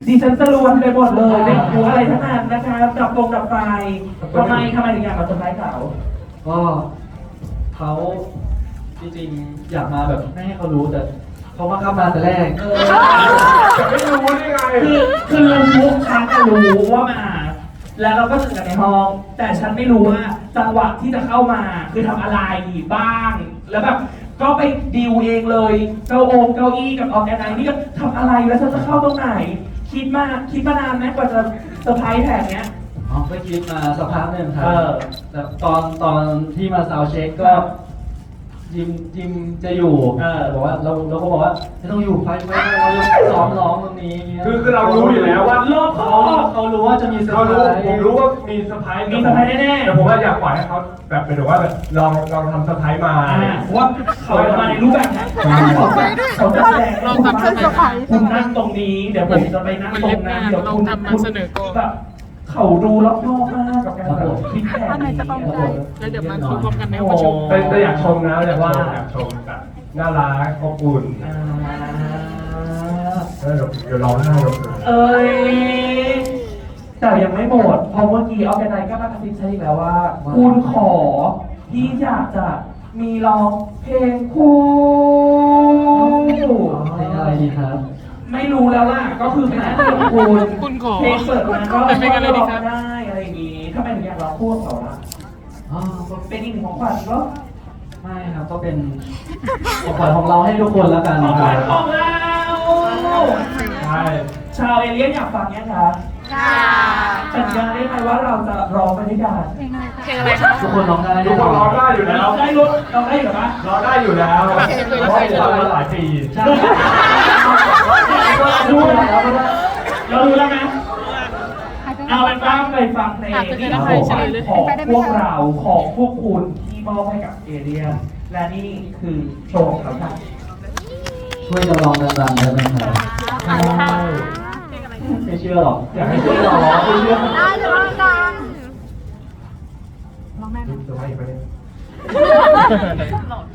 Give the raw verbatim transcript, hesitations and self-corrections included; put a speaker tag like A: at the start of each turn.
A: ดิฉันจะรวนไปหมดเลยไม่รู้อะไรทั้งนั้นนะคะดับวงดับไฟทำไมทำไมถึงอยากมาเซอร์ไพรส์เขา
B: ก็เขาจริงๆอยากมาแบบไม่ให้เขารู้แต่เขามาเข้ามาแต่แรก
A: เออ
C: จะไม่รู้ได้ไง
A: คือคือรู้ฉันก็รู้ว่ามา แล้วเราก็เจอกันในห้อง แต่ฉันไม่รู้ว่าจังหวะที่จะเข้ามาคือทำอะไรบ้าง แล้วแบบก็ไปดีลเองเลยเก้าองเก้าอี้กับออร์แกไนซ์นี่ก็ทำอะไรแล้วฉันจะเข้าตรงไหน คิดมาคิดมานานไหมกว่าจะเซอร์ไพรส์แผนเนี้ย
B: อ๋อก็คิดมาสักพักหนึ่งครั
A: เอบ อ
B: แต่ตอนตอนที่มาซาวด์เช็คก็ยิมยิมจะอยู่
A: เออ
B: บอกว่าเราเราก็บอกว่าไม่ต้องอยู่ไปไปเราจะซ้อมร้องตรงนี้
C: คือคือเรารู้อยู่แล้วว่า
A: รอบค
B: เขา
A: อบ
B: เขารู้ว่าจะมีเซอ
C: เขา
B: ร์ไพ
C: รู้
B: รส์
C: ผมรู้ว่ามีเซอร์ไพรส์
A: มีเซอร์ไพรส์แน่ๆ
C: แต่ผมว่าอยากปล่อยให้เขาแบบเป็นแบบว่าแบบลองลองทำเซอร์ไพรส์มา
A: อ่าเพราะว่าเขาจะมาในรูปแบบนี้เขาจะเขาจะแสดงให้คุณว่าคุณนั่งตรงนี้ เดี๋ยวผมจะไปนั่งตรงนั้นเดี๋ยวคุณคุณแบบเขาดูรอบนอกมากกับการแบบคิดแผนนี้
D: แล้วเดี๋ยวมาคุยพร้อมกันในห้องประชุม
C: แต่แต่อยากชมนะอยากว่าอยากชมแบบน่ารักอบอุ่น
A: อ่า
C: เออเดี๋ยวเดี๋ยวร้องไห้เดี๋ยว
A: เอ้ยแต่ยังไม่หมดเพราะเมื่อกี้ออร์แกไนซ์ก็มากระซิบฉันอีกแล้วว่า คุณขอที่อยากจะมีร้องเพลงคู่
B: เพลงอะไรดีครับ
A: ไม่รู้แล้วล่ะ ก็คือเป็นหน้าที่ของคุณ
D: คุณขอ
A: เพลงเปิดมาก็
D: เป็นเพลงอะไรดีครับ
A: ร้องได้อะไรอย่างงี้ทำไมถึงอยากร้องคู่กับเขาล่ะ
B: อ๋อก็
A: เป็นอีกหนึ่งของขวัญก็
B: ไม่ครับก็เป็นของขวัญของเราให้ทุกคนแล้วกัน
A: ของ
B: นะ
A: ข
B: ค
A: วั
B: รั
A: ญ
B: บ
A: ของเรา
C: ใช่
A: ชาวเอเลี่ยนอยากฟังยังคะสัญญาได้ไหมว่าเราจะร้องไปด้วยกัน
D: เพลงอะไรคะ
B: ทุกคนร้องได้
C: ทุกคนร้องได้อยู่แล้ว
A: เราได้รู้เราได้อยู่ปะ
C: ร้องได้อยู่แล้วเพราะว่าฟังมาหลายปี
B: ใช่ดูแล้วก็ได้
A: เรารู้แล้วนะเอาเป็นว่าเคยฟังเพลงที่ของของพวกเราของพวกคุณที่มอบให้กับเอเลี่ยนและนี่คือโชว์ของเขาค่ะ
B: ช่วยจะลองดังๆได้ไหมครับ ไม่เชื่อหรอก อยากให้เชื่อหรอไม่เชื่อ
E: ได้เดี๋ยวลองกันลองได้ไหม
C: เซอร์ไพรส์อีกไหมเนี่ย